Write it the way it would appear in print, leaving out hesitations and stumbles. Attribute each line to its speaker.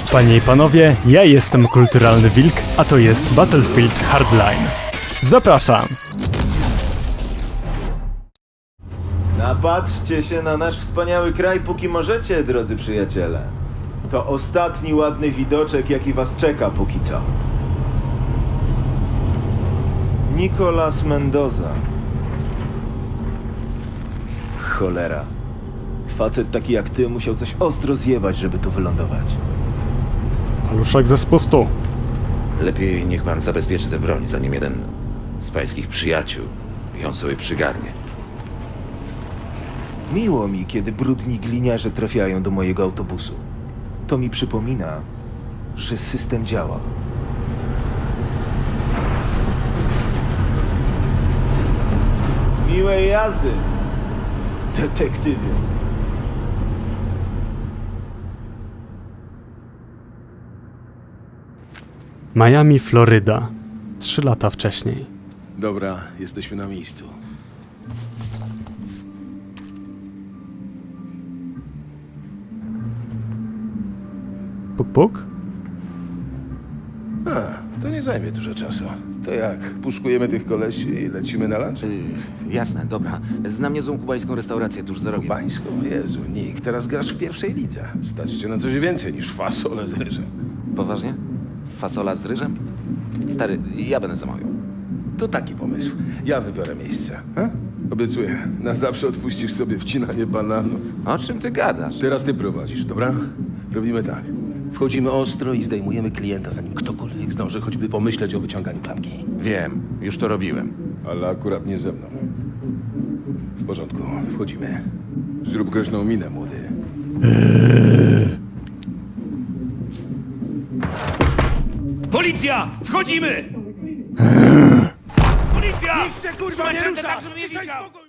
Speaker 1: Panie i panowie, ja jestem Kulturalny Wilk, a to jest Battlefield Hardline. Zapraszam!
Speaker 2: Napatrzcie się na nasz wspaniały kraj, póki możecie, drodzy przyjaciele. To ostatni ładny widoczek, jaki was czeka póki co. Nicolas Mendoza. Cholera. Facet taki jak ty musiał coś ostro zjebać, żeby tu wylądować.
Speaker 1: Paluszek ze spustu.
Speaker 3: Lepiej niech pan zabezpieczy tę broń, zanim jeden z pańskich przyjaciół ją sobie przygarnie.
Speaker 2: Miło mi, kiedy brudni gliniarze trafiają do mojego autobusu. To mi przypomina, że system działa. Miłej jazdy, detektywie.
Speaker 1: Miami, Floryda. 3 lata wcześniej.
Speaker 4: Dobra, jesteśmy na miejscu.
Speaker 1: Puk puk?
Speaker 4: To nie zajmie dużo czasu. To jak? Puszkujemy tych kolesi i lecimy na lunch?
Speaker 3: Jasne, dobra. Znam niezłą kubańską restaurację tuż za rogiem.
Speaker 4: Bańską? Jezu, Nick, teraz grasz w pierwszej lidze. Stać cię na coś więcej niż fasole z ryżem.
Speaker 3: Poważnie? Fasola z ryżem? Stary, ja będę zamawiał.
Speaker 4: To taki pomysł. Ja wybiorę miejsce. A? Obiecuję, na zawsze odpuścisz sobie wcinanie bananów.
Speaker 3: O czym ty gadasz?
Speaker 4: Teraz ty prowadzisz, dobra? Robimy tak. Wchodzimy ostro i zdejmujemy klienta, zanim ktokolwiek zdąży choćby pomyśleć o wyciąganiu klamki.
Speaker 3: Wiem, już to robiłem.
Speaker 4: Ale akurat nie ze mną. W porządku, wchodzimy. Zrób groźną minę, młody.
Speaker 5: Policja! Wchodzimy! Policja! Nikt się kurwa nie rusza! Tak, żeby mnie widział!